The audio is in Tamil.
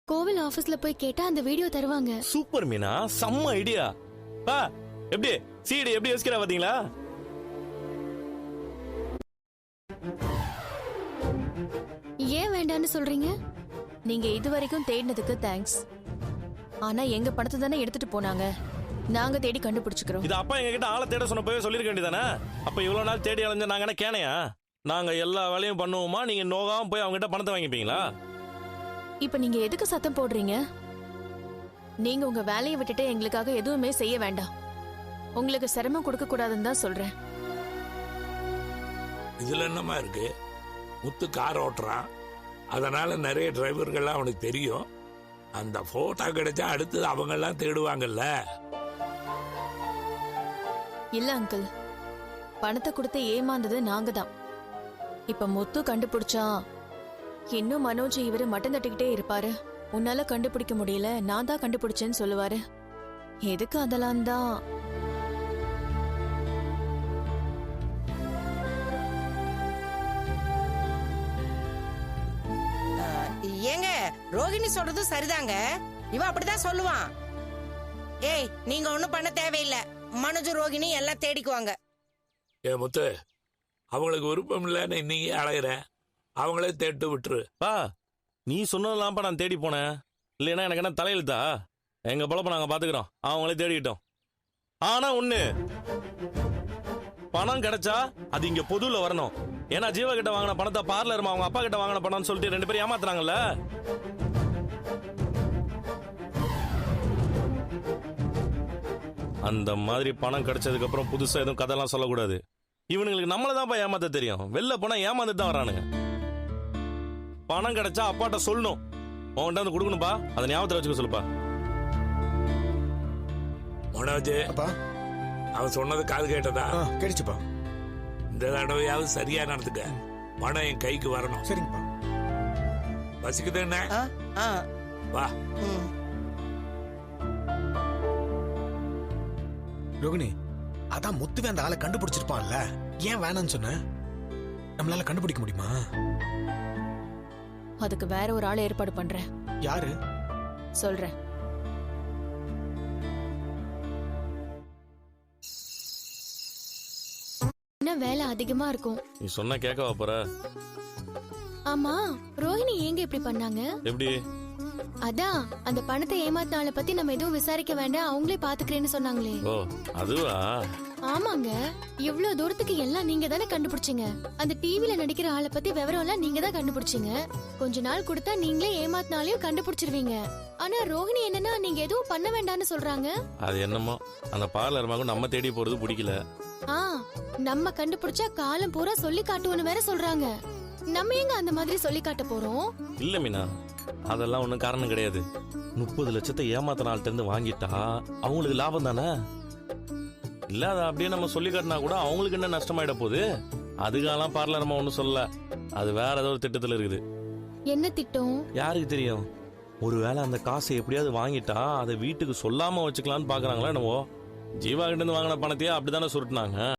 கோவில் ஆபீஸ்ல போய் கேட்டா அந்த வீடியோ தருவாங்க. சூப்பர் மீனா, செம்ம ஐடியா. பா எப்படி சீடி எப்படி யோசிக்கிறா பாத்தீங்களா? ஏன் வேண்டான்னு சொல்றீங்க? நீங்க இதுவரைக்கும் தேடினதுக்கு தேங்க்ஸ். ஆனா எங்க பணத்தை தானே எடுத்துட்டு போனாங்க. நாங்க தேடி கண்டுபிடிச்சுக்கிறோம். இது அப்பா எங்க கிட்ட ஆளை தேட சொன்ன போய் சொல்லிருக்க வேண்டியதானே? அப்ப இவ்வளவு நாள் தேடி அலைஞ்ச நாங்க என்ன கேனையா? நாங்க எல்லா வேலையும் பண்ணுவோமா, நீங்க நோகாம போய் அவங்க கிட்ட பணத்தை வாங்கிப்பீங்களா? இப்ப நீங்க எதுக்கு சத்தம் போடுறீங்க? நீங்க உங்க வேலையை விட்டுட்டு எங்களுக்காக எதுவுமே செய்ய வேண்டாம். உங்களுக்கு சிரமம் கொடுக்க கூடாதுன்னு தான் சொல்றேன். இதுல என்னமா இருக்கு? முத்து கார் ஓட்டுறான், அதனால நிறைய டிரைவர்கள்லாம் அவனுக்கு தெரியும். அந்த போட்டோ கிடைச்சா அடுத்தது அவங்க எல்லாம் தேடுவாங்கல்ல. இல்ல அங்கிள், பணத்தை கொடுத்து ஏமாந்தது நாங்க தான். இப்ப முத்து கண்டுபிடிச்சா இன்னும் மனோஜ் இவரு மட்டம் தட்டிக்கிட்டே இருப்பாரு. உன்னால கண்டுபிடிக்க முடியல, நான் தான் கண்டுபிடிச்சேன்னு சொல்லுவாரு. எதுக்கு அதெல்லாம் தான். ஏங்க, ரோகிணி சொல்றது சரிதாங்க. இவன் அப்படிதான் சொல்லுவான். ஏய், நீங்க ஒண்ணும் பண்ண தேவையில்லை. மனோஜ் ரோகிணி எல்லாம் தேடிக்குவாங்க. ஏ முத்து, அவங்களுக்கு விருப்பம் இல்லைன்னு நீங்க அலையிற, அவங்களே தேட்டு விட்டுரு. பா நீ சொன்னதெல்லாம்ப்பா நான் தேடி போனேன். இல்லைன்னா எனக்கு என்ன தலையெழுத்தா? எங்க பொழப்ப நாங்க பாத்துக்கிறோம், அவங்களே தேடிக்கிட்டோம். ஆனா ஒண்ணு, பணம் கிடைச்சா அது இங்க பொதுல வரணும். ஏன்னா ஜீவா கிட்ட வாங்கின பணத்தை பார்லர் அவங்க அப்பா கிட்ட வாங்கின பணம்னு சொல்லிட்டு 2 பேரும் ஏமாத்துறாங்கல்ல. அந்த மாதிரி பணம் கிடைச்சதுக்கு அப்புறம் புதுசா எதுவும் கதையெல்லாம் சொல்லக்கூடாது. இவனுங்களுக்கு நம்மளதான்ப்பா ஏமாத்த தெரியும். வெளில போனா ஏமாந்துட்டு தான் வரானுங்க. பணம் கிடைச்சா அப்பாட்ட சொல்லணும், உன்கிட்ட வந்து கொடுக்கணும்பா. அதை ஞாபகத்தில் வச்சுக்க சொல்லுப்பா. மனோஜ், அவன் சொன்னது காது கேட்டதா? கிடைச்சுப்பா. இந்த தடவையாவது சரியா நடந்துக்க. பணம் என் கைக்கு வரணும். சரிங்கப்பா. பசிக்குது என்ன? வா. ரோகிணி, அதான் முத்துவே அந்த ஆளை கண்டுபிடிச்சிருப்பான்ல, ஏன் வேணான்னு சொன்ன? நம்மளால கண்டுபிடிக்க முடியுமா? அதுக்கு வேற ஒரு ஆளை ஏற்பாடு பண்றேன். யாரு? சொல்றேன். இன்னும் வேலை அதிகமா இருக்கும். நீ சொன்ன கேட்கவா போற? ஆமா, ரோஹிணி ஏங்க இப்படி பண்ணாங்க? எப்படி? அதான் அந்த பணத்தை ஏமாத்தினால பத்தி நம்ம எதுவும் விசாரிக்க வேண்டாம், அவங்களே பாத்துக்கிறேன்னு சொன்னாங்களே. ஓ அதுவா? ஆமாங்க, இவ்வளவு தூரத்துக்கு எல்லாம் நீங்க தானே கண்டுபிடிச்சீங்க. அந்த டிவில நடிக்கிற ஆளை பத்தி விவரம் எல்லாம் நீங்க தான் கண்டுபிடிச்சீங்க. கொஞ்ச நாள் கொடுத்தா நீங்களே ஏமாத்தினாலையும் கண்டுபிடிச்சிருவீங்க. ஆனா ரோஹிணி என்னன்னா நீங்க எதுவும் பண்ண வேண்டாம்னு சொல்றாங்க. அது என்னமோ அந்த பார்லர் மகன் நம்ம தேடி போறது பிடிக்கல. நம்ம கண்டுபிடிச்சா காலம் பூரா சொல்லி காட்டுவோன்னு வேற சொல்றாங்க. நம்ம எங்க அந்த மாதிரி சொல்லி காட்ட போறோம்? இல்ல மீனா, அதெல்லாம் ஒண்ணும் காரணம் கிடையாது. 30 லட்சத்தை ஏமாத்தின ஆள்கிட்ட இருந்து வாங்கிட்டா அவங்களுக்கு லாபம் தானே. இல்ல அதை அப்படியே நம்ம சொல்லி காட்டினா கூட அவங்களுக்கு என்ன நஷ்டமாயிட போகுது? அதுக்கெல்லாம் பார்லர் நம்ம ஒண்ணும் சொல்லல. அது வேற ஏதோ ஒரு திட்டத்துல இருக்குது. என்ன திட்டம்? யாருக்கு தெரியும்? ஒருவேளை அந்த காசை எப்படியாவது வாங்கிட்டா அதை வீட்டுக்கு சொல்லாம வச்சுக்கலாம்னு பாக்குறாங்களா என்னவோ. ஜீவா கிட்ட இருந்து வாங்கின பணத்தையே அப்படித்தானே சுருட்டினாங்க.